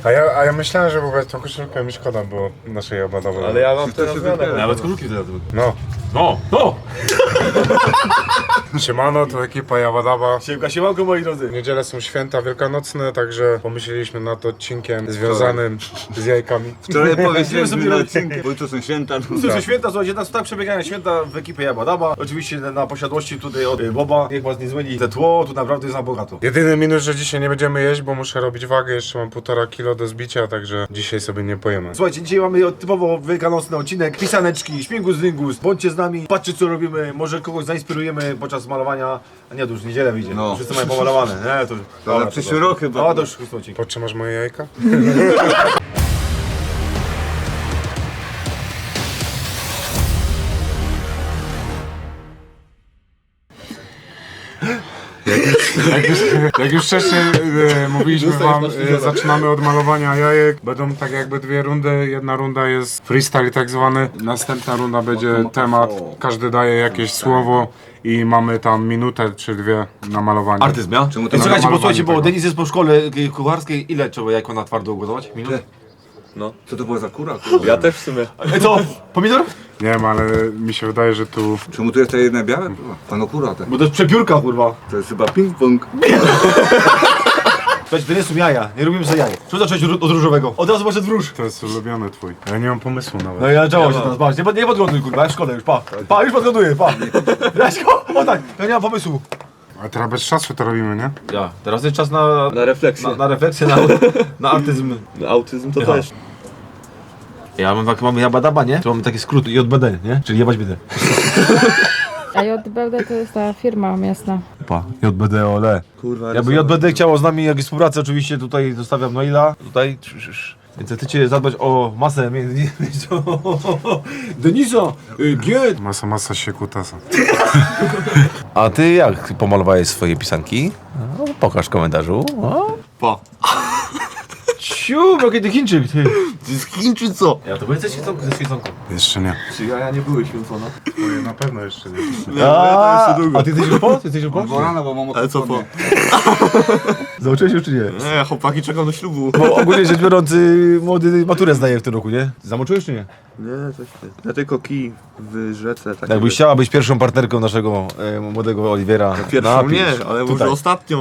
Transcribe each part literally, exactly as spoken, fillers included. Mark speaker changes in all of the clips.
Speaker 1: A ja, a ja myślałem, że w ogóle tą koszulkę mi szkoda było naszej obadowej.
Speaker 2: Ale ja mam teraz zmianę.
Speaker 3: Nawet koszulki wtedy.
Speaker 1: No.
Speaker 2: No, no!
Speaker 1: Siemano, to ekipa Jabadaba.
Speaker 2: Siemka, siemanko moi drodzy.
Speaker 1: W niedzielę są święta wielkanocne, także pomyśleliśmy nad odcinkiem związanym z jajkami.
Speaker 3: Wczoraj powiedzieliśmy
Speaker 2: sobie
Speaker 3: na
Speaker 2: na
Speaker 3: odcinku, bo to są święta.
Speaker 2: To są święta, słuchajcie, nas tak przebiegają święta w ekipie Jabadaba. Oczywiście na, na posiadłości tutaj od y, Boba. Niech was nie zmyli te tło, tu naprawdę jest na bogato.
Speaker 1: Jedyny minus, że dzisiaj nie będziemy jeść, bo muszę robić wagę, jeszcze mam półtora kilo do zbicia, także dzisiaj sobie nie pojemy.
Speaker 2: Słuchajcie, dzisiaj mamy typowo wielkanocny odcinek. Pisaneczki, śmigus dyngus, bądźcie z nami, patrzcie co robimy, może kogoś zainspirujemy podczas malowania. A nie, to już w niedzielę wyjdzie,
Speaker 3: No.
Speaker 2: wszyscy mają pomalowane. Nie, to już...
Speaker 3: To na
Speaker 2: Dobra,
Speaker 3: przyszły
Speaker 2: dobra.
Speaker 3: rok chyba.
Speaker 2: O, to już chustocik.
Speaker 1: Podtrzymasz moje jajka? Jak już, jak już wcześniej e, mówiliśmy wam, e, zaczynamy od malowania jajek. Będą tak jakby dwie rundy. Jedna runda jest freestyle tak zwany. Następna runda będzie temat. Każdy daje jakieś słowo i mamy tam minutę czy dwie na malowanie.
Speaker 2: Artyzm, ja?
Speaker 3: Czemu to
Speaker 2: Ej,
Speaker 3: na
Speaker 2: słuchajcie, bo
Speaker 1: malowanie
Speaker 2: słuchajcie, bo
Speaker 1: tego?
Speaker 2: Denis jest po szkole y, kucharskiej. Ile trzeba jajko na twardo ugotować? Minut?
Speaker 3: No. Co to była za kura? Kurwa?
Speaker 4: Ja też w sumie.
Speaker 2: Ej, co? Pomidor?
Speaker 1: Nie wiem, ale mi się wydaje, że tu...
Speaker 3: Czemu tu jest to jedne białe? Kurwa. Pano kura te.
Speaker 2: Bo to jest przepiórka, kurwa.
Speaker 3: To jest chyba ping-pong.
Speaker 2: Słuchajcie, to nie są jaja, nie robimy sobie jaj. Co zacząć od od różowego? Od razu poszedł w róż.
Speaker 1: To jest ulubiony twój. Ja nie mam pomysłu nawet.
Speaker 2: No i ja działam się teraz, patrz, nie, pod- nie podgląduj, kurwa, ja szkoda już, pa. Pa, już podgląduję, pa. Jaśko, o tak, ja nie mam pomysłu.
Speaker 1: A teraz bez czasu to robimy, nie?
Speaker 2: Ja, teraz jest czas na...
Speaker 4: Na refleksję.
Speaker 2: Na, na refleksję, na, na artyzm.
Speaker 4: Na autyzm to
Speaker 2: Ja.
Speaker 4: też.
Speaker 2: Ja mam tak, mamy jabadaba, nie? To mamy taki skrót J B D, nie? Czyli jebać biedę.
Speaker 5: A J B D to jest ta firma miasta.
Speaker 2: Pa, J B D, ole.
Speaker 4: Kurwa,
Speaker 2: Jakby J B D chciało z nami jakieś współpracę, oczywiście tutaj zostawiam maila, tutaj, sz, sz, sz. Więc chcecie zadbać o masę między Denisa, Giet.
Speaker 1: Masa, masa się kutasa.
Speaker 6: A ty jak pomalowałeś swoje pisanki? No, pokaż w komentarzu. O.
Speaker 4: Pa.
Speaker 2: Ciu, jaki ty Chińczyk, ty.
Speaker 4: To jest Chin czy co?
Speaker 2: Ja to byłem ze świeconką, ze świeconką.
Speaker 1: Jeszcze nie.
Speaker 4: Czy jaja nie były święcone?
Speaker 1: Moje na pewno jeszcze nie.
Speaker 2: A, a ty jesteś już po? Ty jesteś już po?
Speaker 3: Bo rano, bo mam
Speaker 4: Ale co po?
Speaker 2: Zauczyłeś już czy nie?
Speaker 4: Nie, chłopaki czekam do ślubu.
Speaker 2: Bo ogólnie rzecz biorąc, y, młody maturę zdaje w tym roku, nie? Zamoczyłeś czy nie?
Speaker 4: Nie, coś nie. Ja tylko kij w rzece. Tak
Speaker 2: Jakbyś chciała być pierwszą partnerką naszego e, młodego Oliwiera.
Speaker 4: Pierwszą
Speaker 2: napisz.
Speaker 4: nie, ale
Speaker 2: tutaj.
Speaker 4: może ostatnią.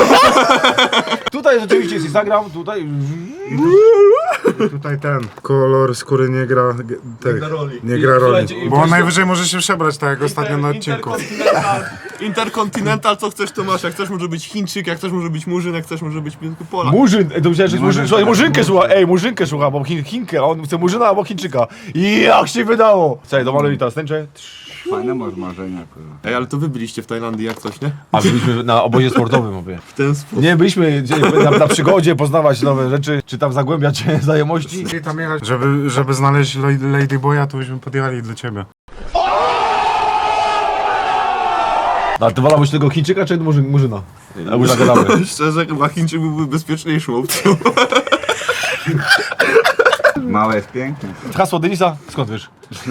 Speaker 2: Tutaj oczywiście jest Instagram, tutaj...
Speaker 1: I tutaj ten kolor skóry nie gra, g- tak, nie gra roli.
Speaker 2: Nie gra roli. Słuchajcie, i
Speaker 1: Bo on
Speaker 2: proszę-
Speaker 1: najwyżej może się przebrać tak jak ostatnio na odcinku.
Speaker 4: Interkontynental. Interkontynental, co chcesz to masz. Jak chcesz może być Chińczyk, jak chcesz może być Murzyn, jak chcesz może być Polak.
Speaker 2: Murzyn, e, to myślałem, że jest Murzyn. Słuchaj, Murzynkę słucha, ej, Murzynkę słucha, bo Chin, Chinkę, a on chce Murzyna albo Chińczyka. I jak się wydało? Słuchaj, domaluj teraz tęczę.
Speaker 3: Fajne masz marzenia, kurwa.
Speaker 4: Ej, ale to wy byliście w Tajlandii jak coś, nie?
Speaker 2: A byliśmy na obozie sportowym, mówię.
Speaker 4: W ten sposób.
Speaker 2: Nie, byliśmy gdzie- na, na przygodzie, poznawać nowe rzeczy, czy tam zagłębiać znajomości.
Speaker 1: Czyli tam jechać, żeby, żeby znaleźć Lady Ladyboya, to byśmy podjechali do ciebie.
Speaker 2: A ty wolałbyś tego Chińczyka, czy Murzyn, Murzyna? Albo już zagadamy.
Speaker 4: Szczerze, chyba Chińczyk byłby bezpieczniejszą opcją.
Speaker 3: Małe jest piękne.
Speaker 2: Hasło Denisa? Skąd wiesz?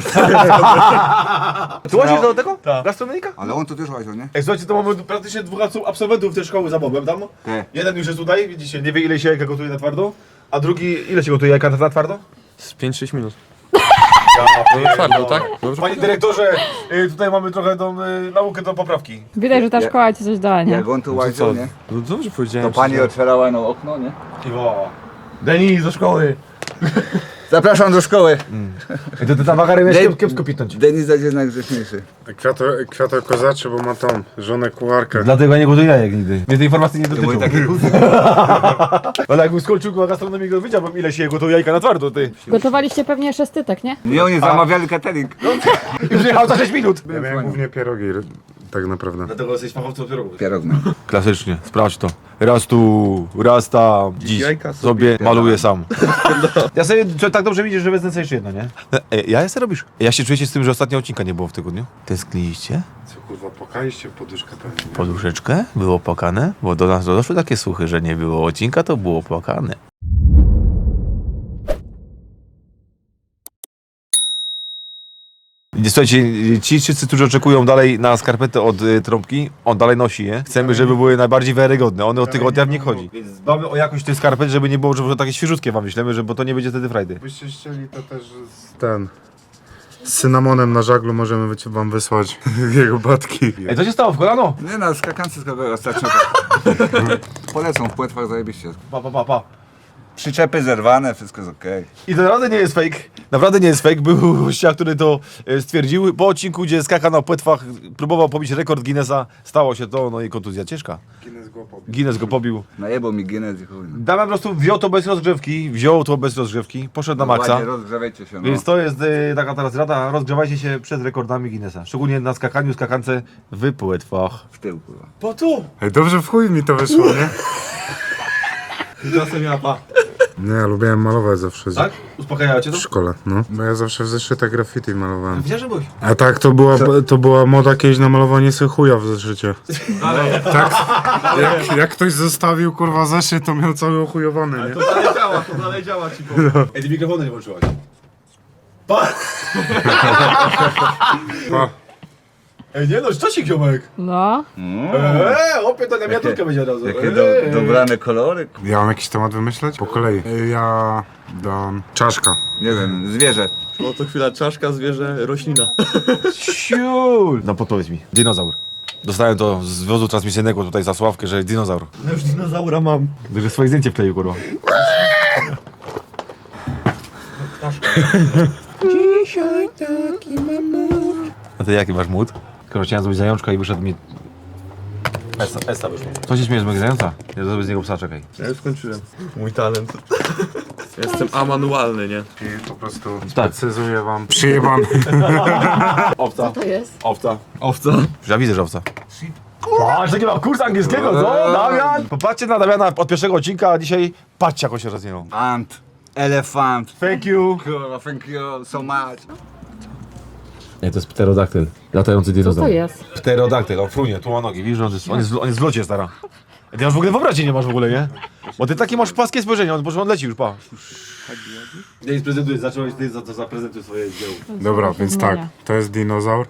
Speaker 2: Ty łazisz do tego?
Speaker 4: Tak.
Speaker 2: Gastronomika?
Speaker 3: Ale on tu też łaził, nie?
Speaker 2: Ej, słuchajcie, to mamy praktycznie dwóch absolwentów tej szkoły za Bobem tam.
Speaker 3: Te.
Speaker 2: Jeden już jest tutaj, widzicie, nie wie ile się jajka gotuje na twardo, a drugi, ile się gotuje jajka na twardo?
Speaker 4: Z pięć sześć minut.
Speaker 2: Ja,
Speaker 4: Twardo, tak?
Speaker 2: Panie dyrektorze, y, tutaj mamy trochę tą y, naukę do poprawki.
Speaker 5: Widać, że ta szkoła ci coś dała, nie?
Speaker 3: Jak on tu łaził, nie?
Speaker 4: No dobrze
Speaker 3: To
Speaker 4: powiedziałem.
Speaker 3: pani otwierała no okno, nie?
Speaker 2: Iwo. Denis do szkoły.
Speaker 3: Zapraszam do szkoły.
Speaker 2: I to, to ta wagary miałeś
Speaker 3: Dej-
Speaker 2: kiep, kiepsko pitnąć.
Speaker 3: Denis jest jednak grzeczniejszy.
Speaker 1: Kwiato, kwiato kozaczy, bo ma tą żonę kucharkę.
Speaker 2: Dlatego ja nie gotuję jajek nigdy. Mnie tej informacji nie
Speaker 3: To
Speaker 2: dotyczą.
Speaker 3: były takie kuzy.
Speaker 2: Ale jakbym skończył na gastronomii, to wiedziałbym ile się gotuje jajka na twardo, ty.
Speaker 5: Gotowaliście pewnie szestytek, nie?
Speaker 3: Nie, oni zamawiali catering.
Speaker 2: I przyjechał za sześć minut.
Speaker 1: Ja miałem głównie pierogi, tak naprawdę.
Speaker 2: Dlatego jesteś fachowcem od pierogów.
Speaker 3: Pierog miał.
Speaker 2: Klasycznie, sprawdź to. Raz tu, raz tam, dziś
Speaker 4: Jajka
Speaker 2: sobie,
Speaker 4: sobie
Speaker 2: maluję sam. Ja sobie co, tak dobrze widzisz, że wezmę sobie jeszcze jedno, nie? E, ja jeszcze robisz? Ja się czujecie z tym, że ostatnio odcinka nie było w tygodniu? Tęskniliście?
Speaker 1: Co kurwa, pokaliście poduszkę pewnie.
Speaker 6: Poduszeczkę? Było płakane? Bo do nas doszły takie słuchy, że nie było odcinka, to było płakane. Słuchajcie, ci wszyscy, którzy oczekują dalej na skarpety od y, trąbki, on dalej nosi je. Chcemy, żeby były najbardziej wiarygodne. One od tygodnia w nie chodzi. Więc dbamy o jakość tych skarpet, żeby nie było, żeby takie świeżutkie wam myślimy, że bo to nie będzie wtedy frajdy.
Speaker 1: Jakbyście chcieli, to też z ten... Z cynamonem na żaglu możemy wy- wam wysłać jego batki.
Speaker 6: Ej, co się stało w kolano?
Speaker 3: Nie no, skakance z kogo ostatnio. Polecą w płetwach zajebiście.
Speaker 6: Pa, pa, pa, pa.
Speaker 3: Przyczepy zerwane, wszystko jest okej.
Speaker 6: I to naprawdę nie jest fake. Naprawdę nie jest fake. Był gościa, który to e, stwierdził. Po odcinku, gdzie skaka na płetwach, próbował pobić rekord Guinnessa. Stało się to, no i kontuzja ciężka.
Speaker 1: Guinness go pobił.
Speaker 6: Guinness go pobił.
Speaker 3: Najebał mi Guinness i chuj. no.
Speaker 6: Damian po prostu wziął to bez rozgrzewki, wziął to bez rozgrzewki, poszedł na maksa.
Speaker 3: Ładnie, rozgrzewajcie się, no.
Speaker 6: Więc to jest e, taka teraz rada, rozgrzewajcie się przed rekordami Guinnessa. Szczególnie na skakaniu, skakance w płetwach.
Speaker 3: W tył, kurwa.
Speaker 4: Po tu!
Speaker 1: Ej, dobrze w chuj mi to wyszło, nie?
Speaker 4: Czasem ja pa.
Speaker 1: Nie, ja lubiłem malować zawsze.
Speaker 6: Tak? Uspokajało cię
Speaker 1: W
Speaker 6: to?
Speaker 1: szkole, no. Bo ja zawsze w zeszytach graffiti malowałem.
Speaker 6: Widziałem, że byłeś.
Speaker 1: A tak, to była, to była moda kiedyś na malowanie sobie chuja w zeszycie. Tak, jak, jak ktoś zostawił kurwa zeszyt, to miał cały ochujowany, nie?
Speaker 4: To dalej działa, to dalej działa ci powiem.
Speaker 6: Ej, ty mikrofonu nie włączyłaś.
Speaker 1: Pa.
Speaker 6: Ej, nie no, szczocik, ziomek.
Speaker 5: No,
Speaker 6: Eee, opie to na miniaturkę będzie od razu.
Speaker 3: Jakie do, dobrane kolory.
Speaker 1: Ja mam jakiś temat wymyśleć? Po kolei. Ja dam czaszka.
Speaker 3: Nie wiem, zwierzę.
Speaker 4: No to chwila, czaszka, zwierzę, roślina.
Speaker 6: Siul! No podpowiedz mi. Dinozaur. Dostałem to z wozu transmisyjnego tutaj za Sławkę, że dinozaur.
Speaker 4: No już dinozaura mam.
Speaker 6: Że swoje zdjęcie wkleił, kurwa. A ty jaki masz mód? Skoro chciałem zrobić zajączka i wyszedł mi... Esta, Esta wyszło. Co się śmiejesz z mojego zająca? Ja zrobię z niego psa, czekaj.
Speaker 4: Ja już skończyłem. Mój talent. Jestem amanualny, nie?
Speaker 1: I po prostu
Speaker 6: Tak.
Speaker 1: precyzuję wam. Przyjebany.
Speaker 6: Owca.
Speaker 5: to jest.
Speaker 6: Owca.
Speaker 4: Owca.
Speaker 6: Ja widzę, że owca. Patrz, taki mam kurs angielskiego, co? Damian! Popatrzcie na Damiana od pierwszego odcinka, a dzisiaj patrzcie, jak on się rozwinął.
Speaker 3: Ant. Elefant.
Speaker 6: Thank you.
Speaker 3: Kurwa, thank you so much.
Speaker 6: Nie, to jest pterodaktyl. Latający
Speaker 5: Co
Speaker 6: dinozaur.
Speaker 5: to jest?
Speaker 6: Pterodaktyl, on frunie, tu ma nogi, widzisz, on jest, on jest, on jest w locie, stara. Ty masz w ogóle wyobraźni nie masz w ogóle, nie? Bo ty takie masz płaskie spojrzenie, on, bo on leci już, pa. Nie jest prezentujesz, zacząłeś ty za to zaprezentuj swoje dzieło.
Speaker 1: Dobra, więc tak. To jest dinozaur.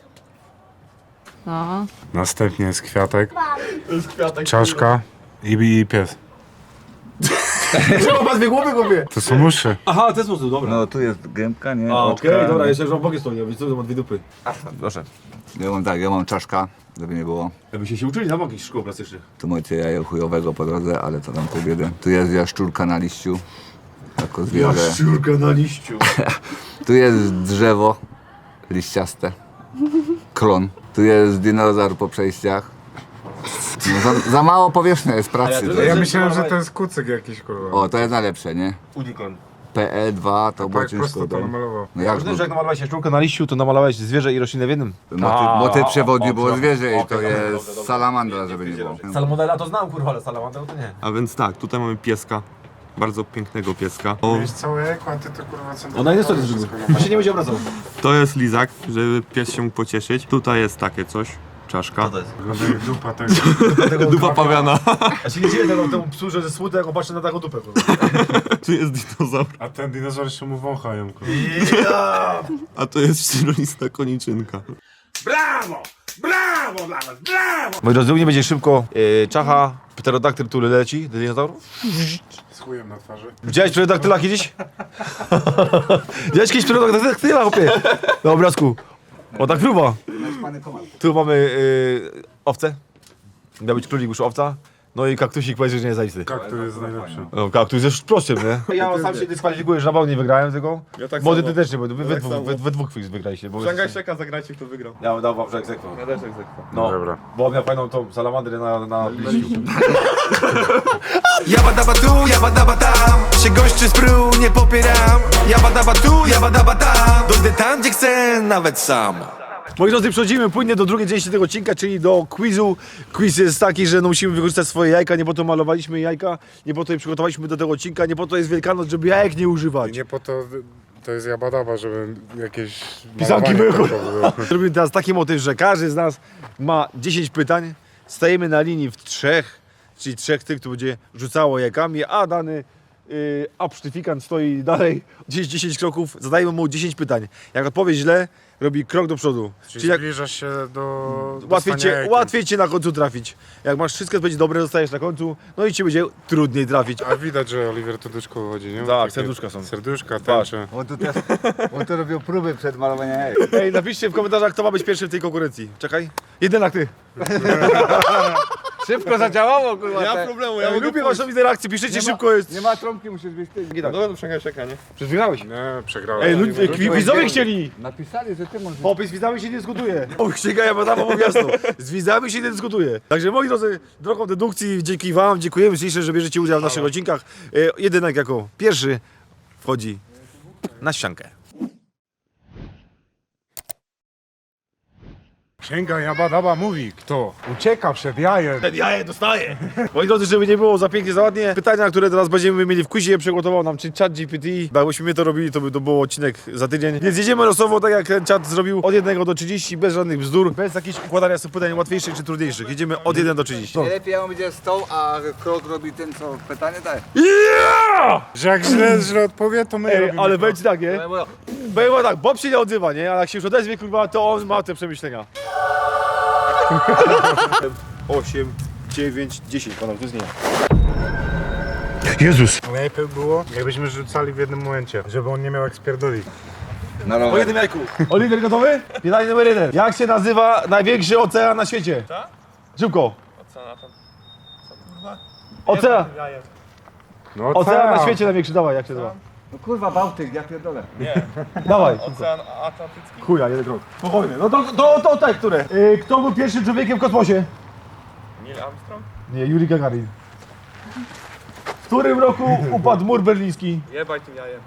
Speaker 5: No,
Speaker 1: Następnie jest kwiatek,
Speaker 4: To jest kwiatek.
Speaker 1: czaszka i, i pies.
Speaker 6: Czemu ma dwie głowy, głupie?
Speaker 1: To są uszy.
Speaker 6: Aha, ten sposób, dobra.
Speaker 3: No tu jest gębka, nie?
Speaker 6: A,
Speaker 3: Oczka.
Speaker 6: okej, dobra, jeszcze już mam bokiem stoi, więc co, ma dwie dupy. Proszę.
Speaker 3: Ja mam tak, ja mam czaszka, żeby nie było.
Speaker 6: Jakbyście się uczyli na jakichś szkół plastycznych.
Speaker 3: Tu macie jajo chujowego po drodze, ale to tam pół biedy. Tu jest jaszczurka na liściu. Jako zwierzę.
Speaker 6: Jaszczurka na liściu.
Speaker 3: Tu jest drzewo liściaste. Klon. Tu jest dinozaur po przejściach. No, za, za mało powierzchnia jest pracy. To
Speaker 1: Ja
Speaker 3: jest,
Speaker 1: myślałem, że to jest kucyk jakiś kurwa.
Speaker 3: o, to jest najlepsze, nie?
Speaker 6: Unicorn.
Speaker 3: P E dwa to było
Speaker 1: Tak
Speaker 3: ciężko.
Speaker 1: prosto to
Speaker 3: dać.
Speaker 1: namalował.
Speaker 3: No jak
Speaker 6: Możliwe, że jak namalowałeś jaszczurkę na liściu, to namalowałeś zwierzę i roślinę w jednym?
Speaker 3: Motyw, motyw przewodni było
Speaker 6: dobrze.
Speaker 3: zwierzę i to
Speaker 6: Okej, dobrze, dobrze,
Speaker 3: jest
Speaker 6: dobrze.
Speaker 3: salamandra, żeby nie było.
Speaker 6: Salmonella to znam, kurwa, ale salamandra to nie.
Speaker 4: A więc tak, tutaj mamy pieska. Bardzo pięknego pieska. O,
Speaker 1: Wiesz całe jajko, a ty to kurwa co...
Speaker 6: Ona jest to jest On się nie będzie obracał.
Speaker 4: to jest lizak, żeby pies się mógł pocieszyć. Tutaj jest takie coś. Czaszka.
Speaker 6: jest?
Speaker 1: Wygląda jak dupa tego.
Speaker 4: Dupa pawiana.
Speaker 6: Ja się nie dziwię temu, temu psu, że ze smutny, jak on patrzy na taką dupę.
Speaker 4: Tu jest dinozaur.
Speaker 1: A ten dinozaur jeszcze mu wąchają kurwa.
Speaker 4: A to jest czteronista koniczynka.
Speaker 6: Moi drodzy, u mnie będzie szybko yy, czacha, pterodaktyl, który leci, do dinozaurów.
Speaker 1: Z chujem na twarzy.
Speaker 6: Widziałeś pterodaktyla kiedyś? Widziałeś kiedyś pterodaktyla, chłopie? Na obrazku. O, tak próba. Tu mamy yy, owcę. Miał być królik, już owca. No i kaktusik powiedział, że nie zajisty.
Speaker 1: Kaktus jest najlepszy.
Speaker 6: No, kaktus jest prostym, nie? Ja sam się dyskwalifikuję, że na bał nie wygrałem tego.
Speaker 4: Ja tak
Speaker 6: Młody
Speaker 4: samo.
Speaker 6: ty też nie, bo wy, wy,
Speaker 4: tak
Speaker 6: dwóch,
Speaker 4: samo.
Speaker 6: wy, wy dwóch wygraliście. Bo
Speaker 4: Szangaj Szeka, zagrajcie kto wygrał.
Speaker 6: ja bym dał wam, że egzekwo.
Speaker 4: Ja też egzekwo.
Speaker 6: No,
Speaker 1: Dobra.
Speaker 6: bo on miał fajną tą salamandrę na, na liściu.
Speaker 7: Jabba dabba tu, jabba dabba tam. Się goszczy z pru, nie popieram. Jabba dabba tu, jabba dabba tam. Dojdę tam, gdzie chcę, nawet sam.
Speaker 6: Moi drodzy, przechodzimy płynnie do drugiej części tego odcinka, czyli do quizu. Quiz jest taki, że no musimy wykorzystać swoje jajka, nie po to malowaliśmy jajka, nie po to je przygotowaliśmy do tego odcinka, nie po to jest Wielkanoc, żeby jajek nie używać.
Speaker 1: Nie po to... To jest jabadaba, żeby jakieś...
Speaker 6: Pisanki
Speaker 1: malowanie
Speaker 6: były.
Speaker 1: tylko było.
Speaker 6: Robimy teraz taki motyw, że każdy z nas ma dziesięć pytań, stajemy na linii w trzech, czyli trzech tych, kto będzie rzucało jajkami, a dany yy, absztyfikant stoi dalej, gdzieś dziesięć kroków, zadajemy mu dziesięć pytań. Jak odpowie źle, robi krok do przodu.
Speaker 1: Czyli,
Speaker 6: Czyli jak
Speaker 1: zbliżasz się do
Speaker 6: łatwiej
Speaker 1: dostania
Speaker 6: cię,
Speaker 1: jajkiem.
Speaker 6: łatwiej cię na końcu trafić. Jak masz wszystko będzie dobre, zostajesz na końcu, no i ci będzie trudniej trafić.
Speaker 1: A widać, że Oliver to duszko chodzi, nie?
Speaker 6: Tak,
Speaker 1: Takie
Speaker 6: serduszka są.
Speaker 1: Serduszka,
Speaker 6: Patrz.
Speaker 1: tęcze.
Speaker 3: On tu też, on tu robił próby przed malowaniem jajek.
Speaker 6: Ej, napiszcie w komentarzach, kto ma być pierwszy w tej konkurencji. Czekaj. Jednak ty.
Speaker 3: Szybko zadziałało, kurwa.
Speaker 4: Nie ma
Speaker 3: te-
Speaker 4: problemu, ja
Speaker 6: Ja
Speaker 4: mogę
Speaker 6: lubię
Speaker 4: pójść.
Speaker 6: waszą interakcję, piszecie
Speaker 3: Nie ma-
Speaker 6: szybko jest.
Speaker 3: Nie ma trąbki, musisz być ty.
Speaker 4: No dobra, to przegałeś ekranie.
Speaker 6: Przecież wygrałeś.
Speaker 1: Nie, przegrałem.
Speaker 6: Ej, ludzie, widzowie chcieli.
Speaker 3: Napisali, że ty możesz...
Speaker 6: Popis z widzami się nie dyskutuje. O, księga Jabadama mówi jasno. Z widzami się nie dyskutuje. Także moi drodzy, drogą dedukcji, dzięki wam, dziękujemy ślicznie, że bierzecie udział w naszych odcinkach. E, jedynak jako pierwszy wchodzi na ściankę.
Speaker 1: Księga Jabadaba mówi, kto ucieka przed jajem.
Speaker 6: Jaje dostaje. Moi drodzy, żeby nie było za pięknie, za ładnie, pytania, które teraz będziemy mieli w quizie, przygotował nam czy chat G P T. Bo jakbyśmy my to robili, to by to był odcinek za tydzień. Więc jedziemy losowo, tak jak ten czat zrobił, od jednego do trzydziestu, bez żadnych bzdur, bez jakichś układania sobie pytań łatwiejszych czy trudniejszych. Jedziemy od jednego do trzydziestu.
Speaker 3: Najlepiej jak on będzie stał, a krok robi ten, co pytanie daje.
Speaker 1: Że jak źle, źle odpowie, to my
Speaker 6: Ej,
Speaker 1: robimy
Speaker 6: ale
Speaker 1: to.
Speaker 6: będzie tak, nie? Będzie tak, Bob się nie odzywa, nie? Ale jak się już odezwie, kurwa, to on ma te przemyślenia. osiem, dziewięć, dziesięć, panowie, to jest nie.
Speaker 1: Jezus. Najlepiej było, jakbyśmy rzucali w jednym momencie, żeby on nie miał jak spierdolić.
Speaker 3: Na
Speaker 6: Po
Speaker 3: rower.
Speaker 6: jednym jajku. Oliver gotowy? Pytanie numer jeden. Jak się nazywa największy ocean na świecie?
Speaker 4: Tak?
Speaker 6: Szybko.
Speaker 4: Ocean, a tam... Co kurwa?
Speaker 6: Ocean.
Speaker 4: Jajem.
Speaker 1: No
Speaker 6: Ocean na
Speaker 1: tak.
Speaker 6: świecie największy, dawaj, jak się nazywa?
Speaker 3: No kurwa, Bałtyk, ja pierdolę.
Speaker 6: Dawaj.
Speaker 4: Ocean Atlantycki.
Speaker 6: Chuja, jeden krok. Spokojnie. No to, to, to tak, które? Yy, kto był pierwszym człowiekiem w kosmosie?
Speaker 4: Neil Armstrong?
Speaker 6: Nie, Yuri Gagarin. W którym roku upadł mur berliński?
Speaker 4: Jebaj tym jajem.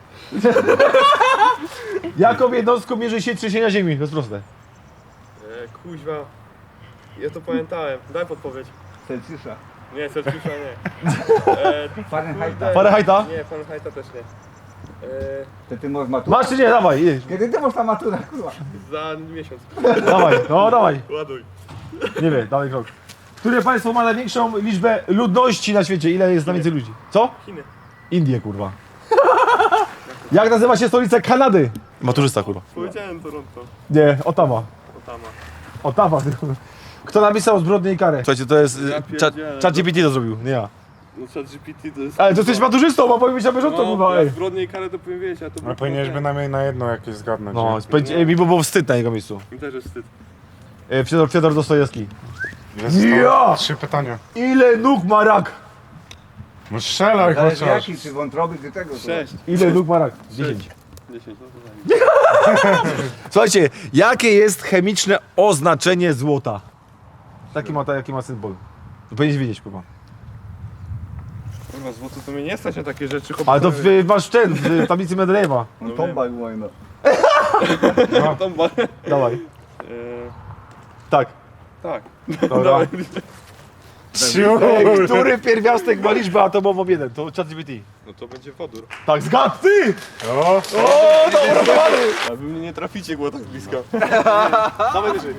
Speaker 6: Jaką jednostką mierzy się trzęsienia ziemi? To jest proste.
Speaker 4: E, kuźwa. Ja to pamiętałem. Daj podpowiedź.
Speaker 3: Celsjusza.
Speaker 4: Nie, Celsjusza nie. E,
Speaker 3: Fahrenheita.
Speaker 6: Fahrenheita?
Speaker 4: nie, Fahrenheita też nie. E,
Speaker 3: To ty możesz maturę.
Speaker 6: Masz czy nie? Dawaj, jedź.
Speaker 3: Kiedy ty masz ta matura, kurwa?
Speaker 4: za miesiąc.
Speaker 6: Dawaj, no dawaj.
Speaker 4: Ładuj.
Speaker 6: Nie wiem, dawaj krok. Które państwo ma największą liczbę ludności na świecie? Ile jest najwięcej ludzi? Co?
Speaker 4: Chiny.
Speaker 6: Indie, kurwa. Jak nazywa się stolica Kanady? Maturzysta, kurwa.
Speaker 4: Powiedziałem Toronto.
Speaker 6: Nie, Ottawa.
Speaker 4: Otama.
Speaker 6: Ottawa. Kto napisał Zbrodnię i karę? Słuchajcie, to jest...
Speaker 4: Ja
Speaker 6: Chat
Speaker 4: pierdzielę.
Speaker 6: Chat G P T to zrobił, nie ja.
Speaker 4: No chat G P T to jest...
Speaker 6: Ale to jesteś maturzystą, bo powinien być na bieżąco, kurwa,
Speaker 4: No, ja
Speaker 6: ej.
Speaker 4: zbrodnie i karę to powiem wiedzieć, a to...
Speaker 1: Ale powinieneś bynajmniej na jedno jakieś zgadnąć.
Speaker 6: No,
Speaker 1: nie?
Speaker 6: spędzi, ej, mi by było wstyd na jego miejscu.
Speaker 4: Mi też jest wstyd.
Speaker 6: E, Fiodor, Fiodor Dostojewski.
Speaker 1: Ile zostało?
Speaker 6: Ja!
Speaker 1: Trzy pytania.
Speaker 6: Ile nóg ma rak?
Speaker 1: No strzelaj
Speaker 3: Zależy
Speaker 1: chociaż.
Speaker 3: jaki, czy wątroby, czy tego. kurwa.
Speaker 4: Sześć.
Speaker 6: Ile nóg ma rak? Dziesięć.
Speaker 4: Dziesięć, no to zanim.
Speaker 6: Słuchajcie, jakie jest chemiczne oznaczenie złota? Taki ma, taki ma symbol. Powinieneś wiedzieć, kurwa.
Speaker 4: Kurwa, złoto to mnie nie stać na takie rzeczy.
Speaker 6: Ale to w, masz ten, w tablicy Mendelejewa.
Speaker 3: No tomba i wojna.
Speaker 4: Tam ba...
Speaker 6: Dawaj.
Speaker 4: Eee,
Speaker 6: Tak.
Speaker 4: tak.
Speaker 6: Dobra.
Speaker 1: Ciu.
Speaker 6: Ej, który pierwiastek ma liczbę atomową jeden? To Chat G P T.
Speaker 4: No to będzie wodór.
Speaker 6: Tak, zgadł ty!
Speaker 1: O,
Speaker 6: O, dobra, dobra.
Speaker 4: A wy mnie nie traficie, było tak blisko.
Speaker 6: Dawaj wyżej.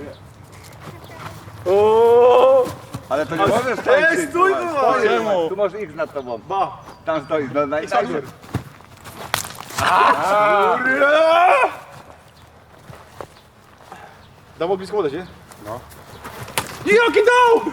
Speaker 6: O,
Speaker 3: Ale to nie możesz stać.
Speaker 6: Ej, stój, kurwa!
Speaker 4: Czemu?
Speaker 3: Tu masz X nad tobą.
Speaker 6: Ba.
Speaker 3: Tam stoi, no naj, najpierw.
Speaker 6: Dawał blisko wodę, nie? No. Jaki dał!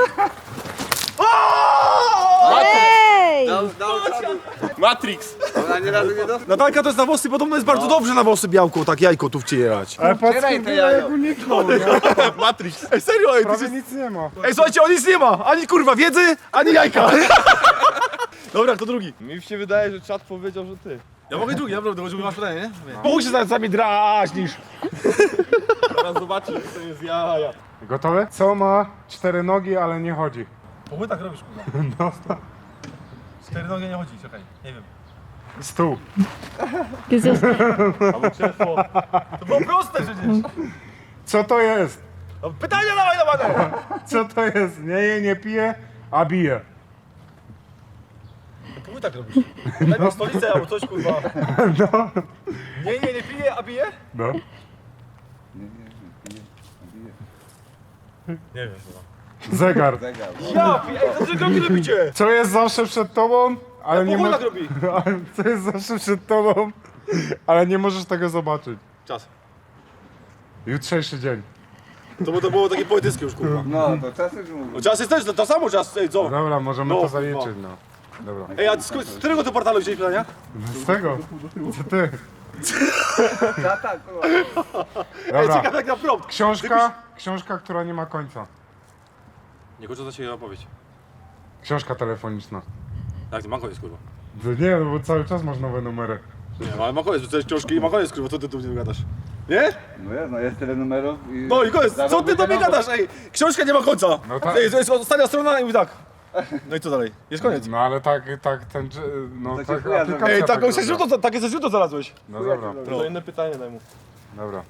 Speaker 5: Ej!
Speaker 4: Matrix!
Speaker 3: Ona nie razu nie dostała.
Speaker 6: Natalka to jest na włosy, podobno jest bardzo dobrze na włosy białko, tak jajko tu wcierać.
Speaker 1: ale patrz,
Speaker 3: Otwieraj to
Speaker 1: kurwa,
Speaker 3: jajo.
Speaker 1: jak uniknął, nie?
Speaker 4: Matrix!
Speaker 6: Ej, serio, ej, ty
Speaker 1: Prawie
Speaker 6: jest...
Speaker 1: nic nie ma.
Speaker 6: ej, słuchajcie, on nic nie ma! Ani kurwa wiedzy, ani jajka! Dobra, kto drugi?
Speaker 4: Mi się wydaje, że czat powiedział, że ty.
Speaker 6: Ja mogę drugi, naprawdę, żeby masz pytanie, nie? Pójdź się za nami drażnisz.
Speaker 4: Teraz zobaczysz, że to jest jaja.
Speaker 1: Gotowy? Co ma cztery nogi, ale nie chodzi?
Speaker 6: Po tak robisz, kurwa. No. Cztery nogi nie chodzi, czekaj, nie wiem.
Speaker 1: Stół.
Speaker 5: Jesteś...
Speaker 6: Albo krzesło. To było proste przecież.
Speaker 1: Co to jest?
Speaker 6: No, pytania dawaj, dawaj!
Speaker 1: Co to jest? Nie je, nie pije, a bije.
Speaker 6: Pójdź tak robisz. Daj mi stolicę albo coś, kurwa.
Speaker 1: No.
Speaker 6: Nie, nie, nie pije, a bije?
Speaker 1: No.
Speaker 6: Nie wiem, kurwa.
Speaker 1: Zegar.
Speaker 6: Ja piję, ej, dobrze kroki robicie!
Speaker 1: Co jest zawsze przed tobą, ale nie
Speaker 2: Pochód
Speaker 1: ma...
Speaker 2: tak robi.
Speaker 1: ale co jest zawsze przed tobą, ale nie możesz tego zobaczyć.
Speaker 2: Czas.
Speaker 1: Jutrzejszy dzień.
Speaker 2: To, bo to było takie poetyckie już, kurwa.
Speaker 3: No, to czas już mówię.
Speaker 2: No, czas jest też, to, to samo czas, ej, co?
Speaker 1: Dobra, możemy
Speaker 2: No,
Speaker 1: to zaliczyć, no. Dobra.
Speaker 2: Ej, a z, z którego to portalu wzięłeś pytania?
Speaker 1: Z tego? Co ty?
Speaker 3: Tata, kurwa.
Speaker 2: Ej,
Speaker 1: Dobra.
Speaker 2: ciekawe jak na prompt.
Speaker 1: Książka, książka, która nie ma końca.
Speaker 2: Nie kończę się opowieść.
Speaker 1: Książka telefoniczna.
Speaker 2: Jak to ma koniec, kurwa?
Speaker 1: To nie, no bo cały czas masz nowe numery.
Speaker 2: Nie, ale ma koniec, to jest książki i ma koniec, kurwa, to ty tu nie gadasz. Nie?
Speaker 3: No jest, no jest tyle numerów i...
Speaker 2: No i koniec, co ty do mnie gadasz, ej? Książka nie ma końca.
Speaker 1: No tak.
Speaker 2: Ej, to jest ostatnia strona i mówi tak. No i co dalej? Jest koniec.
Speaker 1: No ale tak, tak, ten, no
Speaker 3: To ci
Speaker 1: tak
Speaker 3: chuja
Speaker 1: aplikacja
Speaker 2: Ej,
Speaker 1: tak
Speaker 2: taką
Speaker 1: zrobiła.
Speaker 2: źródło, takie ze źródło znalazłeś.
Speaker 1: No dobra,
Speaker 4: To inne pytanie daj mu.
Speaker 1: dobra.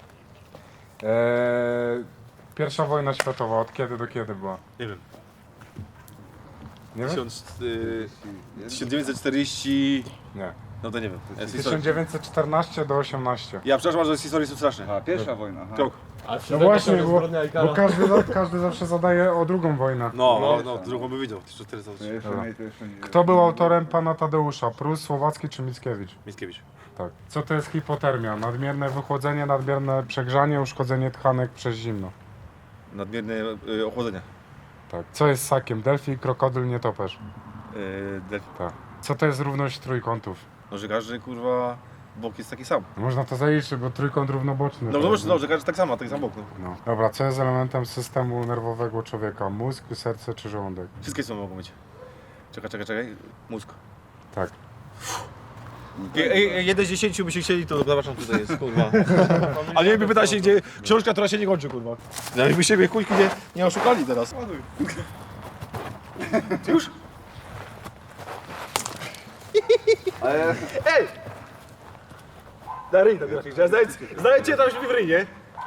Speaker 1: Eee, pierwsza wojna światowa, od kiedy do kiedy była?
Speaker 2: Nie wiem.
Speaker 1: Nie wiem?
Speaker 2: Tysiąc, y, tysiąc dziewięćset czterdzieści...
Speaker 1: Nie.
Speaker 2: No to nie wiem. Jest
Speaker 1: tysiąc
Speaker 2: historia.
Speaker 1: dziewięćset czternaście do osiemnaście.
Speaker 2: Ja przepraszam, że z historii są straszne.
Speaker 3: A, pierwsza wojna. Aha.
Speaker 2: Krok.
Speaker 1: No właśnie, bo, bo każdy, za- każdy zawsze zadaje o drugą wojnę.
Speaker 2: No, no, no, drugą by widział. tysiąc czterysta.
Speaker 3: To jeszcze
Speaker 1: Dobra.
Speaker 3: nie, to jeszcze nie.
Speaker 1: Kto był autorem pana Tadeusza? Prus, Słowacki czy Mickiewicz?
Speaker 2: Mickiewicz.
Speaker 1: Tak. Co to jest hipotermia? Nadmierne wychłodzenie, nadmierne przegrzanie, uszkodzenie tkanek przez zimno.
Speaker 2: Nadmierne y, ochłodzenie.
Speaker 1: Tak. Co jest ssakiem? Delfi, krokodyl, nietoperz.
Speaker 2: Yy, delf...
Speaker 1: Tak. Co to jest równość trójkątów?
Speaker 2: No, że każdy, kurwa, bok jest taki sam.
Speaker 1: Można to zaliczyć, bo trójkąt równoboczny.
Speaker 2: No,
Speaker 1: to
Speaker 2: no,
Speaker 1: jest,
Speaker 2: no, że każdy tak samo, taki sam bok. No.
Speaker 1: no. Dobra, co jest elementem systemu nerwowego człowieka? Mózg, serce czy żołądek?
Speaker 2: Wszystkie są mogą być. Czekaj, czekaj, czekaj. Mózg.
Speaker 1: Tak.
Speaker 2: Ej, ej, jeden z dziesięciu by się chcieli, to zobaczą tutaj jest, kurwa. A nie by pyta się, gdzie książka, która się nie kończy, kurwa. No i by siebie kujki nie, nie oszukali teraz. Ty już?
Speaker 3: Ale
Speaker 2: Ej! Na ryj, tak raczej. Zdaję, zdaję cię tam się w ryj, nie?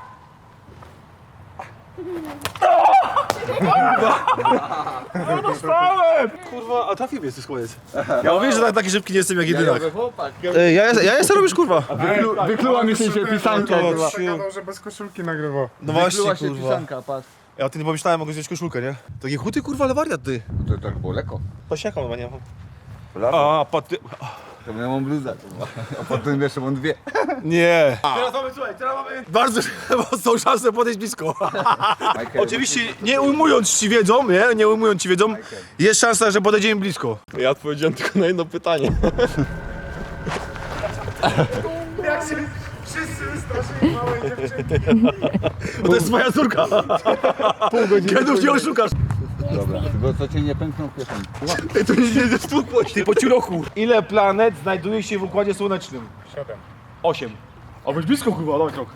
Speaker 2: Kurwa! No dostałem! Kurwa, a trafił mnie z tych koniec. Ja mówię, że tak, taki szybki nie jestem jak jedynak.
Speaker 3: chłopak.
Speaker 2: Ej, ja, jest- ja jestem robisz, kurwa.
Speaker 1: Wykluła mi się pisanka,
Speaker 2: kurwa.
Speaker 1: Gadał, że bez koszulki nagrywał.
Speaker 2: No właśnie,
Speaker 3: Wykluła się
Speaker 2: kurwa.
Speaker 3: pisanka, patrz.
Speaker 2: Ja o tym nie pomyślałem, mogę wziąć koszulkę, nie? Takie chuty, kurwa, ale wariat, ty.
Speaker 3: To tak było lekko.
Speaker 2: Pasiaka, no nie mam.
Speaker 3: Lato.
Speaker 2: A, paty...
Speaker 3: To ja mam bluzę, kurwa. A potem jeszcze mam dwie.
Speaker 2: Nie. Teraz mamy, słuchaj, teraz mamy bardzo mocną szansę podejść blisko.
Speaker 3: Michael,
Speaker 2: Oczywiście nie ujmując ci wiedzą, nie? Nie ujmując ci wiedzą, jest szansa, że podejdziemy blisko.
Speaker 4: Ja odpowiedziałem tylko na jedno pytanie.
Speaker 1: Jak się wszyscy wystraszyli małej dziewczynki.
Speaker 2: Bo to jest twoja córka. Pół godziny. Kedów nie oszukasz.
Speaker 3: Dobra, tylko co cię nie pęknął w kieszeni.
Speaker 2: Ej, to nie nie stłukło się. Ty po ciuroku. Ile planet znajduje się w Układzie Słonecznym?
Speaker 1: Siedem.
Speaker 2: Osiem. A być blisko, kurwa, dawaj krok.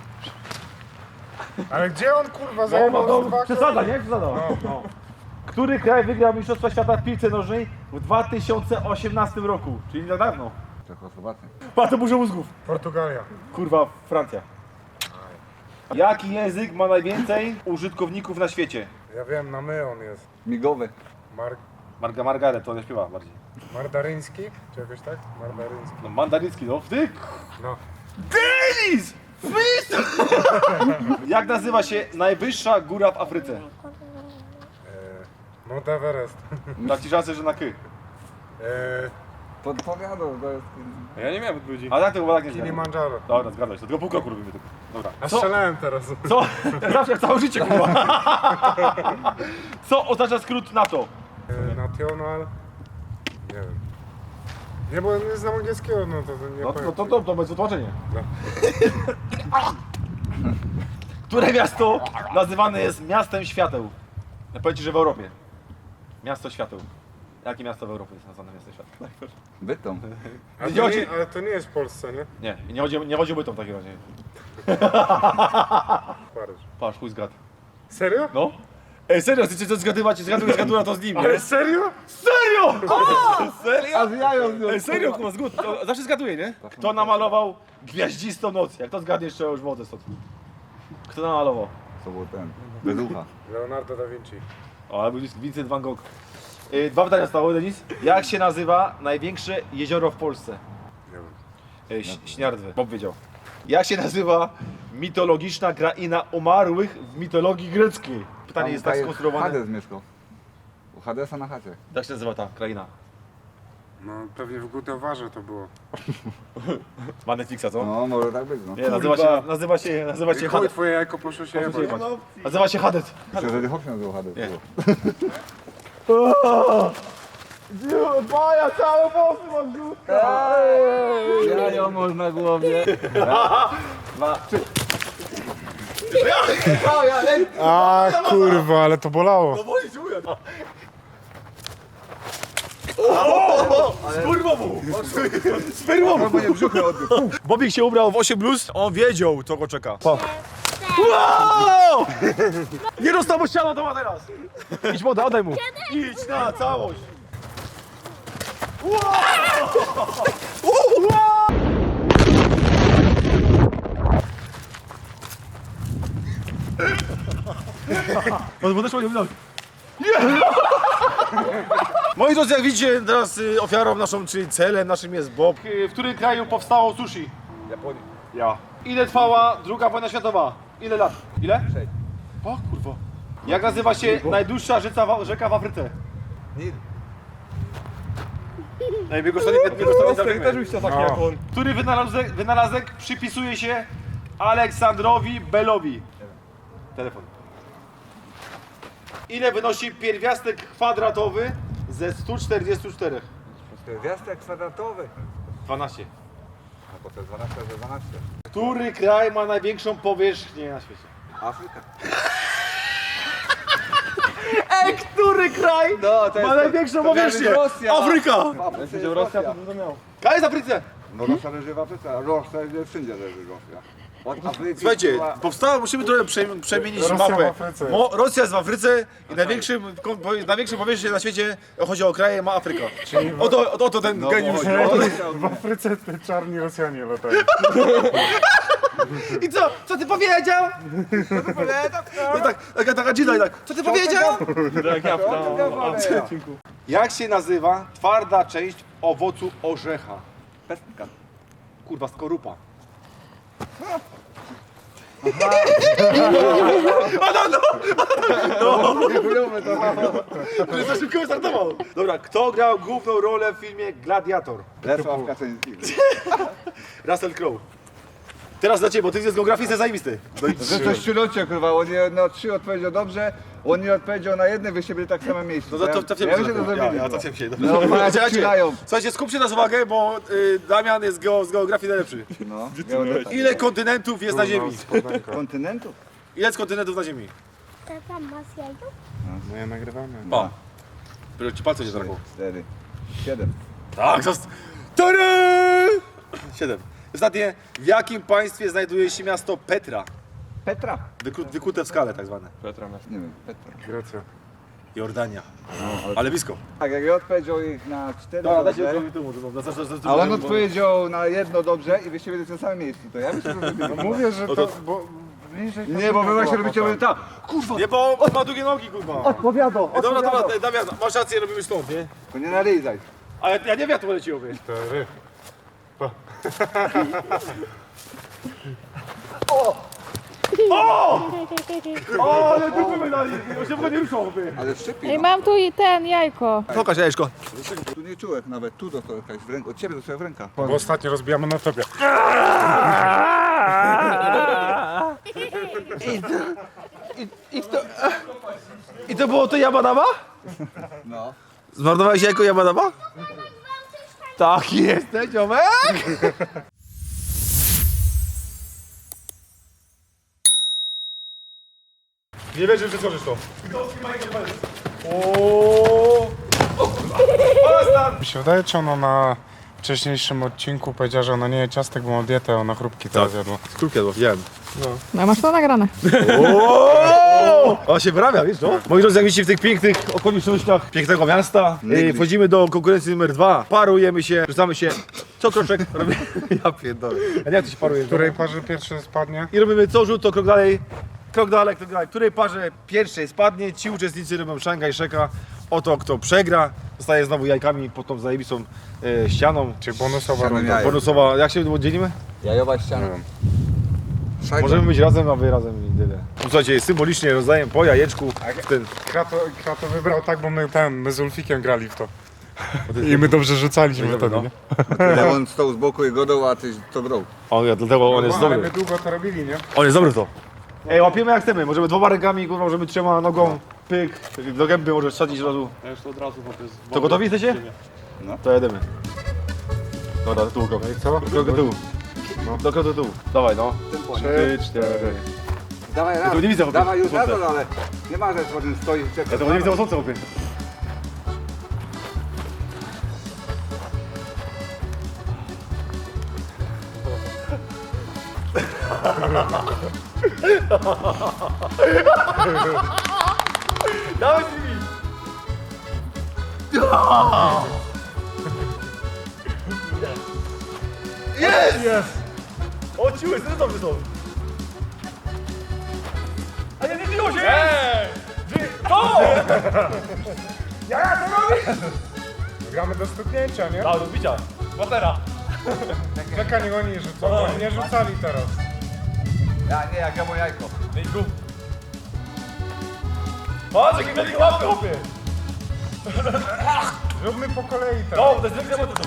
Speaker 1: Ale gdzie on kurwa zajmował dwa
Speaker 2: Przesada, nie? Przesada. No. Który kraj wygrał Mistrzostwa Świata w piłce nożnej w dwa tysiące osiemnastym roku? Czyli nie tak dawno.
Speaker 3: Czechosłowacja.
Speaker 2: Pa, to burza mózgów.
Speaker 1: Portugalia.
Speaker 2: Kurwa, Francja. Jaki język ma najwięcej użytkowników na świecie?
Speaker 1: Ja wiem, na my on jest.
Speaker 3: Migowy.
Speaker 1: Mar
Speaker 2: Marga Margaret, to nie śpiewa bardziej.
Speaker 1: Mardaryński? Czy jakoś tak? Mardaryński.
Speaker 2: No mandarycki, no wtyk!
Speaker 1: No.
Speaker 2: Denis! Fist! Jak nazywa się najwyższa góra w Afryce?
Speaker 1: Eee, Mount Everest.
Speaker 2: Dam ci szansę, że na ky.
Speaker 1: Eee,
Speaker 3: Podpowiadał, to jest...
Speaker 2: Ja nie miałem odpowiedzi. A tak to chyba tak nie zgadłem.
Speaker 1: Kilimanjaro.
Speaker 2: Dobra, zgadłeś, to tylko pół kroku robimy tylko. Dobra.
Speaker 1: A
Speaker 2: Co?
Speaker 1: strzelałem teraz.
Speaker 2: Co? Zawsze jak całe życie, kurwa. Co oznacza skrót NATO?
Speaker 1: Eee, National... Nie wiem. Nie, bo nie znam angielskiego, no to, to nie
Speaker 2: No,
Speaker 1: powiem.
Speaker 2: no to, to, to bez wytłumaczenia.
Speaker 1: No.
Speaker 2: Które miasto nazywane jest miastem świateł? Ja powiem ci, że w Europie. Miasto świateł. Jakie miasto w Europie jest nazwane miastem świateł?
Speaker 3: Bytom.
Speaker 1: A
Speaker 2: Nie
Speaker 1: to
Speaker 2: chodzi-
Speaker 1: nie, ale to nie jest w Polsce, nie?
Speaker 2: Nie, nie chodzi, nie chodzi o bytom w takim razie.
Speaker 1: Paryż.
Speaker 2: Patrz, chuj zgad.
Speaker 1: Serio?
Speaker 2: No? Ej, serio, chcecie coś zgadywać, zgaduję, zgaduję to z nim, nie?
Speaker 1: Ale serio?
Speaker 2: Serio! Serio?
Speaker 3: A z jają z nią.
Speaker 2: Ej, serio, kurwa, zgód, to zawsze zgaduję, nie? Kto namalował Gwiaździstą noc? Jak to zgadniesz, to już wodę stąd. Kto namalował?
Speaker 3: To był ten. Bez ucha.
Speaker 1: Leonardo da Vinci.
Speaker 2: O, ale był Vincent van Gogh. Yy, dwa pytania stały, Denis. Jak się nazywa największe jezioro w Polsce?
Speaker 1: Nie wiem.
Speaker 2: Yy, Ś- Śniardwy, Bob wiedział. Jak się nazywa mitologiczna kraina umarłych w mitologii greckiej? Pytanie
Speaker 3: Tam
Speaker 2: jest tak
Speaker 3: tutaj
Speaker 2: skonstruowane.
Speaker 3: Hades mieszkał. U Hadesa na chacie.
Speaker 2: Jak się nazywa ta kraina?
Speaker 1: No pewnie w Gutowarze to było.
Speaker 2: Ma Netflixa, co?
Speaker 3: No, może tak być, no.
Speaker 2: Nie, nazywa się, nazywa się, nazywa się
Speaker 1: Chuj,
Speaker 2: Hades.
Speaker 1: twoje jajko poszło się jebać.
Speaker 2: Nazywa się Hades.
Speaker 3: Myślę, że Hop się nazywał Hades.
Speaker 2: Baja, całe włosy mam żółte.
Speaker 3: Jajo masz na głowie.
Speaker 1: A kurwa, ale to bolało.
Speaker 2: Spermowu! Spermowu! Bobik się ubrał w osiem bluz, on wiedział, co go czeka. Pa. Wow! Nie dostał mu ściana, to ma teraz. Idź moda, oddaj mu. Idź na całość. Wow! Wow! On podeszło nie wydał. Moi drodzy, jak widzicie, teraz y, ofiarą naszą, czyli celem naszym jest Bob. Y, W którym kraju powstało sushi?
Speaker 3: Japonia.
Speaker 2: Ja. Ile trwała druga wojna światowa? Ile lat? Ile?
Speaker 3: Sześć.
Speaker 2: O kurwa. Jak nazywa się najdłuższa rzeka w, rzeka w Afryce?
Speaker 3: Nil.
Speaker 2: Ej, biegł sobie nie
Speaker 4: Też byś to taki jak on.
Speaker 2: Który wynalazek, wynalazek przypisuje się Aleksandrowi Bellowi? Telefon. Ile wynosi pierwiastek kwadratowy ze stu czterdziestu czterech?
Speaker 3: Gwiazdek kwadratowy.
Speaker 2: dwanaście.
Speaker 3: A po to jest dwanaście razy dwanaście.
Speaker 2: Który kraj ma największą powierzchnię na świecie?
Speaker 3: Afryka.
Speaker 2: Ej, który kraj
Speaker 3: No, to
Speaker 2: ma największą powierzchnię?
Speaker 3: Rosja.
Speaker 2: Afryka!
Speaker 3: Jak będzie Rosja, to
Speaker 2: Kraj jest w Afryce!
Speaker 3: No Rosja leży w Afryce, a Rosja jest wszędzie leży Rosja. Od Afryki
Speaker 2: Słuchajcie,
Speaker 3: była-
Speaker 2: powstała, musimy trochę prze, przemienić
Speaker 1: Rosja
Speaker 2: mapę.
Speaker 1: w Afryce.
Speaker 2: Mo, Rosja jest w Afryce i największym, ko- po- największą powierzchnię na świecie, chodzi o kraje, ma Afryka. Oto, oto, oto ten
Speaker 3: No,
Speaker 2: geniusz.
Speaker 3: bo-
Speaker 2: O,
Speaker 1: W Afryce te czarni Rosjanie latają.
Speaker 2: I co? Co ty powiedział? No tak, taka, taka dzida i tak. Co ty powiedział? Jak się nazywa twarda część owocu orzecha?
Speaker 3: Pestka.
Speaker 2: Kurwa, skorupa.
Speaker 3: Chujowe to.
Speaker 2: Że za szybko startował. Dobra, kto grał główną rolę w filmie Gladiator?
Speaker 3: Lesław Kaczyński.
Speaker 2: Russell Crowe. Teraz dla ciebie, bo ty z geografii jesteś zajebisty.
Speaker 3: Że to ściurocie, kurwa, on nie, no trzy odpowiedział dobrze, on nie odpowiedział na jedne, wy się byli tak samo miejscu.
Speaker 2: No to, to, to, to,
Speaker 3: ja wiem, że to
Speaker 2: ja,
Speaker 3: zrobili.
Speaker 2: ja,
Speaker 3: no.
Speaker 2: to się
Speaker 3: No, patrz,
Speaker 2: Słuchajcie,
Speaker 3: ścierają.
Speaker 2: słuchajcie, skupcie nas uwagę, bo y, Damian jest geo, z geografii najlepszy.
Speaker 3: No, ja będę tak.
Speaker 2: Ile kontynentów jest na Ziemi?
Speaker 3: Kontynentów?
Speaker 2: Ile jest kontynentów na Ziemi?
Speaker 8: Tata, masz jajko?
Speaker 1: No ja nagrywamy.
Speaker 2: Pa. Dopiero ci palce się zdragło.
Speaker 3: Cztery. Siedem.
Speaker 2: Tak, zost... Tadam! Siedem. Ostatnie, w jakim państwie znajduje się miasto Petra?
Speaker 3: Petra.
Speaker 2: Wyku, wykute w skale tak zwane.
Speaker 3: Nie wiem, Petra.
Speaker 1: Grecja.
Speaker 2: Jordania. Ale blisko.
Speaker 3: Tak, jak ja odpowiedział ich na cztery
Speaker 2: Dobra, dajcie
Speaker 3: dobrze,
Speaker 2: mi tu, może, bo- za- za- za- za-
Speaker 3: a on
Speaker 2: bo-
Speaker 3: odpowiedział na jedno dobrze i wyście byli w tym samym miejscu, to ja myślę, że zrobili.
Speaker 1: Mówię, że to... Bo bliżej
Speaker 3: Nie, bo wy właśnie robicie tak.
Speaker 2: Nie, bo on ma długie nogi, kurwa.
Speaker 3: Odpowiadał,
Speaker 2: Ej, Dobra, dobra, Damian, masz rację, robimy stąd, nie?
Speaker 3: To nie nalizaj.
Speaker 2: Ale ja nie wiem, jak to poleciło, wie.
Speaker 1: Cztery.
Speaker 2: O, ale dupy my dali, on się w ogóle nie ruszał, wie.
Speaker 3: Ale szczypi,
Speaker 5: Ej,
Speaker 3: no.
Speaker 5: mam tu i ten jajko.
Speaker 2: Pokaż jajeczko.
Speaker 3: Tu nie czułek nawet, tu dostał jakaś w ręku, od ciebie dostał w rękach.
Speaker 1: Bo ostatnio rozbijamy na tobie.
Speaker 2: I to było to Yamadama?
Speaker 3: No.
Speaker 2: Zmarnowałeś jajko Yamadama? Tak jest, ziomek! Nie wierzę, że przeskoczysz to. Oooo!
Speaker 1: Mi się wydaje, czy ona na wcześniejszym odcinku powiedziała, że ona nie je ciastek, bo ma dietę, ona chrupki teraz jadła.
Speaker 2: Skrupki jadło, widziałem.
Speaker 5: No masz to nagrane.
Speaker 2: O, się wyrabia, wiesz, no? Moi drodzy, jak widzicie w tych pięknych okolicznościach pięknego miasta, yy, wchodzimy do konkurencji numer dwa, parujemy się, rzucamy się, co kroczek robimy, ja pierdolę, a nie jak to się paruje,
Speaker 1: Której parze pierwszy spadnie?
Speaker 2: i robimy co rzut, to krok dalej, krok dalej, krok dalej, której parze pierwszej spadnie, ci uczestnicy robią Szangaj Szeka, oto kto przegra, zostaje znowu jajkami pod tą zajebistą e, ścianą,
Speaker 1: Czy bonusowa
Speaker 3: Ściana
Speaker 1: runda?
Speaker 3: jaj.
Speaker 2: bonusowa, jak się dzielimy?
Speaker 3: Jajowa ściana. Szajba.
Speaker 2: Możemy być razem, a wy razem i tyle. Słuchajcie, symbolicznie rozdaję po jajeczku w ten...
Speaker 1: Krato, Krato wybrał tak, bo my ten, my z Ulfikiem grali w to. I my dobrze rzucaliśmy wtedy,
Speaker 6: no.
Speaker 1: nie?
Speaker 3: Ja on stał z boku i godał, a ty to grał.
Speaker 6: On, ja, dlatego on jest
Speaker 1: No, ale
Speaker 6: dobry.
Speaker 1: my długo to robili, nie?
Speaker 6: On jest dobry w to. Ej, łapiemy jak chcemy. Możemy dwoma rękami, kurwa, możemy trzema nogą, pyk, do gęby możesz wsadzić od razu.
Speaker 2: Ja już to od razu chłopie z
Speaker 6: To gotowi jesteście?
Speaker 3: No.
Speaker 6: To jedziemy. Dobra, do tyłu krok.
Speaker 1: No i co?
Speaker 6: Krok do tyłu. No. Do kroku do tyłu. Dawaj, no. Trzy, cztery.
Speaker 3: Dawaj raz,
Speaker 6: to nie widzę, chłopie.
Speaker 3: dawaj już
Speaker 6: Słońce.
Speaker 3: razem, ale nie ma, że potem stoi i czeka.
Speaker 6: Ja to nie widzę o słońce, chłopie. Dawaj z nimi! Jest! Jest! O, ciły, co dobrze są? A nie, nie biło się! Eee! To! Ja co robisz?
Speaker 1: Gramy do stuknięcia, nie?
Speaker 6: A, do bicia. Batera.
Speaker 1: Czekaj, niech oni rzucą, bo oni nie rzucali teraz.
Speaker 3: Ja nie, jak ja moje jajko.
Speaker 6: Idź tu. Patrz, jaki wielki łapy, chłopie.
Speaker 1: Zróbmy po kolei teraz.
Speaker 6: No, to jest wielkie łapy.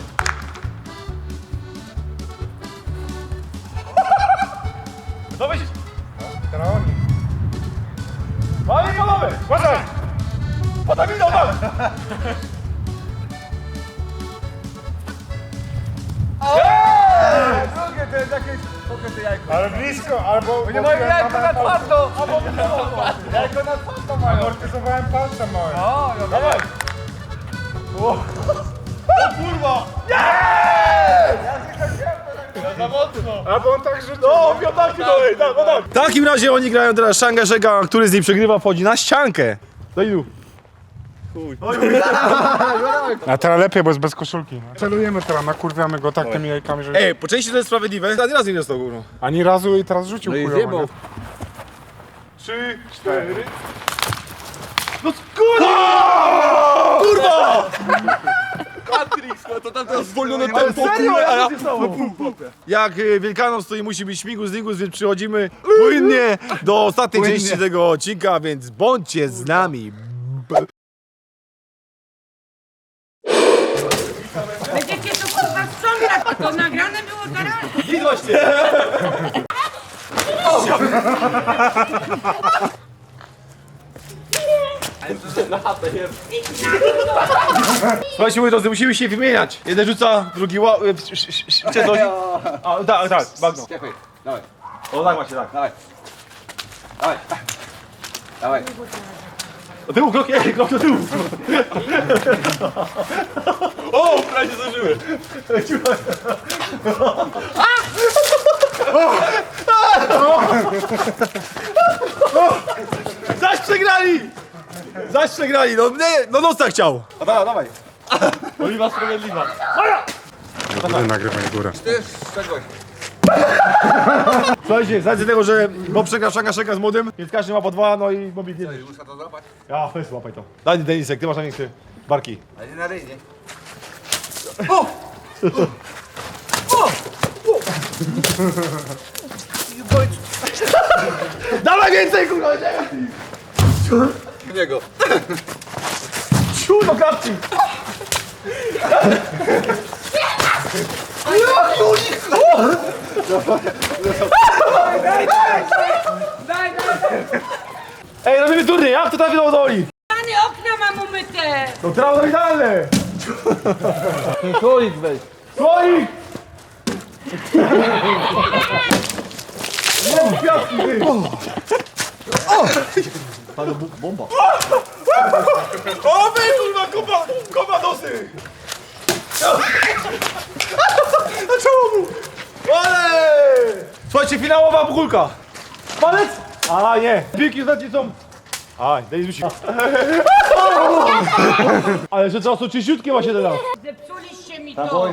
Speaker 6: To myślisz?
Speaker 1: Teraz oni.
Speaker 6: Panie panowie, uważaj! Potem idą tam!
Speaker 3: Drugie to jest jakieś pokryte jajko.
Speaker 1: Ale blisko, albo...
Speaker 3: Nie mają jajko na twardo! Albo jajko na twardo mają.
Speaker 1: Amortyzowałem palce małe.
Speaker 3: O, no
Speaker 6: Dawaj! O kurwa!
Speaker 2: Za mocno!
Speaker 1: Albo on tak rzucił.
Speaker 6: No, piątaki dalej, tak, no tak. W takim razie oni grają teraz Shanga Shega, który z nich przegrywa, wchodzi na ściankę. Do ilu?
Speaker 1: A teraz lepiej, bo jest bez koszulki. No. Celujemy teraz, nakurwiamy go tak tymi jajkami, że...
Speaker 6: Ej, po części to jest sprawiedliwe. Ani razu nie dostał górą.
Speaker 1: Ani razu i teraz rzucił
Speaker 3: No i
Speaker 1: chujowo,
Speaker 3: zjebał.
Speaker 1: nie?
Speaker 6: Trzy, cztery. No kurwa! Kurwa!
Speaker 4: Matrix, no to tam teraz zwolnione
Speaker 6: Ale
Speaker 4: tempo,
Speaker 6: serio?
Speaker 4: kurwa, a ja...
Speaker 6: Jak to się stało? Jak y, Wielkanoc, to i musi być śmigus, nigus, więc przychodzimy płynnie do ostatniej
Speaker 3: Płynnie.
Speaker 6: części tego odcinka, więc bądźcie z nami.
Speaker 9: Będziecie to kurwa sprzątać, to nagrane było teraz.
Speaker 6: Widłoście! Słuchajcie, moi drodzy, musimy się wymieniać. Jeden rzuca, drugi ła... y, sz- sz- sz- Czy coś? A, tak, tak, bagno.
Speaker 3: Czekaj, dawaj,
Speaker 6: O, tak właśnie, tak.
Speaker 3: dawaj. Dawaj. Dawaj.
Speaker 6: Do tyłu, krok, ej, krok do tyłu.
Speaker 4: O, prawie się zażyły!
Speaker 6: Zaś przegrali! Zaś przegrali, no nie, no nosa chciał. A dawaj, dawaj.
Speaker 2: Oliwa sprawiedliwa.
Speaker 1: Góry nagrywaj górę.
Speaker 3: Ty jest z czegoś.
Speaker 6: Słuchajcie, z racji tego, że Bob przegra Shanga Shega z młodym, więc każdy ma po dwa, no i Bobik nie.
Speaker 3: Muszę to złapać.
Speaker 6: Ja, weź łapaj to. Daj Denisek, ty masz największe barki.
Speaker 3: Ale nie na ryj, nie?
Speaker 6: Dawaj więcej, kurwa!
Speaker 3: W niego.
Speaker 6: Ciu do kapci! Ej, robimy turniej, jak to trafiło do Oli?
Speaker 9: Pany okna mam umyte.
Speaker 6: No trawo idealne!
Speaker 3: Słoik weź.
Speaker 6: Słoik! No, kwiatki, ty! Bomba. O, wy, kurwa, kopa, kopa dosy! Na czoło! Ale! Słuchajcie, finałowa kulka. Palec? A, nie. Piłki znaczy są... A, daj rzucić. Ale że czasu czyściutkie właśnie teraz.
Speaker 9: Zepsuliście mi to.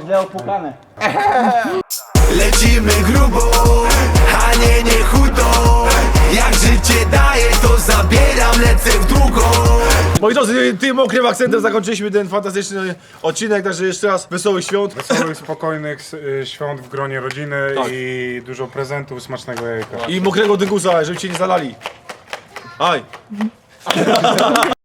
Speaker 7: Lecimy grubo, a nie nie chudo. Jak życie daje, to zabieram, lecę w długo.
Speaker 6: Moi drodzy, tym okrym akcentem zakończyliśmy ten fantastyczny odcinek, także jeszcze raz wesołych świąt.
Speaker 1: Wesołych, spokojnych y, świąt w gronie rodziny i dużo prezentów, smacznego jajka.
Speaker 6: I mokrego dyngusa, żeby cię nie zalali. Aj!